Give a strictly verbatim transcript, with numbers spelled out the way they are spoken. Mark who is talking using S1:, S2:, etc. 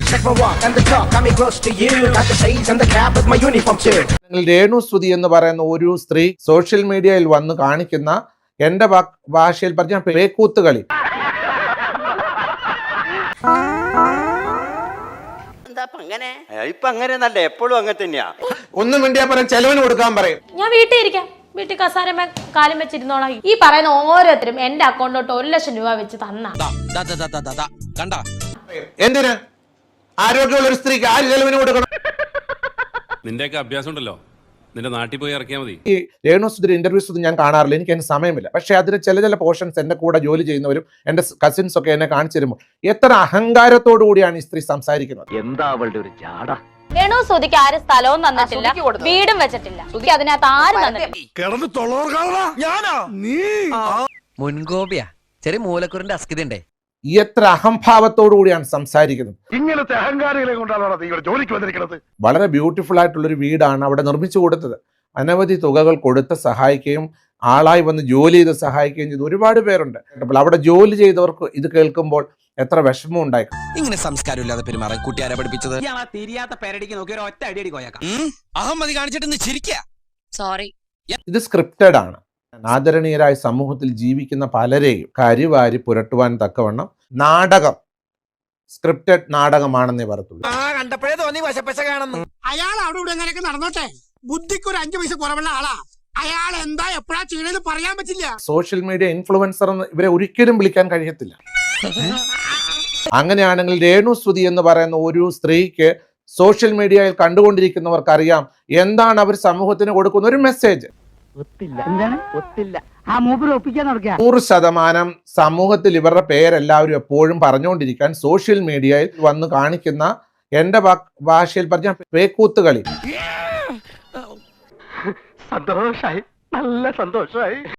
S1: Check my walk and the talk, got me close to you. Got the shades and the cap with my uniform too.
S2: Renu Sudhi എന്ന് പറയുന്ന ഒരു സ്ത്രീ social മീഡിയയിൽ വന്ന് കാണിക്കുന്ന എന്റെ ഭാഷയിൽ പറഞ്ഞ പേക്കൂത്തുകളി,
S3: ഇപ്പൊ അങ്ങനെയൊന്നല്ല, എപ്പോഴും അങ്ങനെ തന്നെയാ.
S2: ഒന്നും വേണ്ടിയാ പറയാൻ ചെലവിന് കൊടുക്കാൻ പറയും.
S4: ഞാൻ വീട്ടിൽ ഇരിക്കാം, വീട്ടിൽ കസാരമേ കാലം വെച്ചിരുന്നോളാം. ഈ പറയുന്ന ഓരോരുത്തരും എന്റെ അക്കൗണ്ടിലോട്ട് ഒരു ലക്ഷം രൂപ വെച്ച് തന്ന
S2: എന്തിന്? ആരോഗ്യമുള്ള ഒരു സ്ത്രീക്ക് ആര് ചെലവിന് കൊടുക്കണം?
S5: നിന്റെയൊക്കെ അഭ്യാസം ഉണ്ടല്ലോ, നിന്റെ നാട്ടിൽ പോയി ഇറക്കിയാൽ മതി.
S2: ഈ രേണു സുധി ഇന്റർവ്യൂസ് ഒന്നും ഞാൻ കാണാറില്ല, എനിക്ക് അതിന് സമയമില്ല. പക്ഷെ അതിൽ ചില ചില പോർഷൻസ് എന്റെ കൂടെ ജോലി ചെയ്യുന്നവരും എന്റെ കസിൻസ് ഒക്കെ എന്നെ കാണിച്ചു തരുമ്പോൾ എത്ര അഹങ്കാരത്തോടു കൂടിയാണ് ഈ സ്ത്രീ സംസാരിക്കുന്നത്.
S3: എന്താ അവളുടെ ഒരു ജാട.
S4: രേണു സുധിക്ക് ആരും സ്ഥലവും തന്നിട്ടില്ല, വീടും വെച്ചിട്ടില്ല. സുധി അതിനകത്ത് ആരും തന്നിട്ടില്ല.
S6: മുൻകോപിയാ, ചെറിയ മൂലക്കുറിന്റെ അസ്കിതണ്ടേ.
S2: എത്ര അഹംഭാവത്തോടു കൂടിയാണ് സംസാരിക്കുന്നത്.
S7: ഇങ്ങനത്തെ അഹങ്കാരികളെ കൊണ്ടാണ് നിങ്ങൾ ജോലിക്ക് വന്നിരിക്കുന്നത്.
S2: വളരെ ബ്യൂട്ടിഫുൾ ആയിട്ടുള്ളൊരു വീടാണ് അവിടെ നിർമ്മിച്ചു കൊടുത്തത്. അനവധി തുകകൾ കൊടുത്ത് സഹായിക്കുകയും ആളായി വന്ന് ജോലി ചെയ്ത് സഹായിക്കുകയും ചെയ്ത് ഒരുപാട് പേരുണ്ട്. അപ്പോൾ അവിടെ ജോലി ചെയ്തവർക്ക് ഇത് കേൾക്കുമ്പോൾ എത്ര വിഷമം ഉണ്ടായി.
S6: ഇങ്ങനെ സംസ്കാരമില്ലാതെ പെരുമാറാൻ കുട്ടിയാരെ പഠിപ്പിച്ചത്.
S8: തിരിയാത്ത പേരടിക്ക് നോക്കി ഒരു ഒറ്റ അടിയടി കോയക്കാം.
S6: അഹമ്മതി കാണിച്ചിട്ട് ചിരിക്കാ.
S4: സോറി,
S2: ഇത് സ്ക്രിപ്റ്റഡ് ആണ്. ആദരണീയരായ സമൂഹത്തിൽ ജീവിക്കുന്ന പലരെയും കരിവാരി പുരട്ടുവാൻ തക്കവണ്ണം നാടകം, സ്ക്രിപ്റ്റഡ് നാടകമാണെന്നേ പറയത്തുള്ളൂ.
S6: കണ്ടപ്പോഴേ തോന്നി വശപ്പശ കാണുന്നു.
S8: അയാൾ അവിടെ ഇവിടെ എങ്ങനെയൊക്കെ നടന്നോട്ടെ, ബുദ്ധിക്ക് ഒരു അഞ്ചു പൈസ കുറവുള്ള ആളാ. അയാൾ എന്താ എപ്പോഴാ ചെയ്യണെന്ന് പറയാൻ പറ്റില്ല.
S2: സോഷ്യൽ മീഡിയ ഇൻഫ്ലുവൻസർ എന്ന് ഇവരെ ഒരിക്കലും വിളിക്കാൻ കഴിയത്തില്ല. അങ്ങനെയാണെങ്കിൽ രേണു സുധി എന്ന് പറയുന്ന ഒരു സ്ത്രീക്ക് സോഷ്യൽ മീഡിയയിൽ കണ്ടുകൊണ്ടിരിക്കുന്നവർക്കറിയാം എന്താണ് അവർ സമൂഹത്തിന് കൊടുക്കുന്ന ഒരു മെസ്സേജ്. നൂറ് ശതമാനം സമൂഹത്തിൽ ഇവരുടെ പേരെല്ലാവരും എപ്പോഴും പറഞ്ഞുകൊണ്ടിരിക്കാൻ സോഷ്യൽ മീഡിയയിൽ വന്ന് കാണിക്കുന്ന എന്റെ ഭാഷയിൽ പറഞ്ഞ പേക്കൂത്തുകളി.
S7: സന്തോഷായി, നല്ല സന്തോഷായി.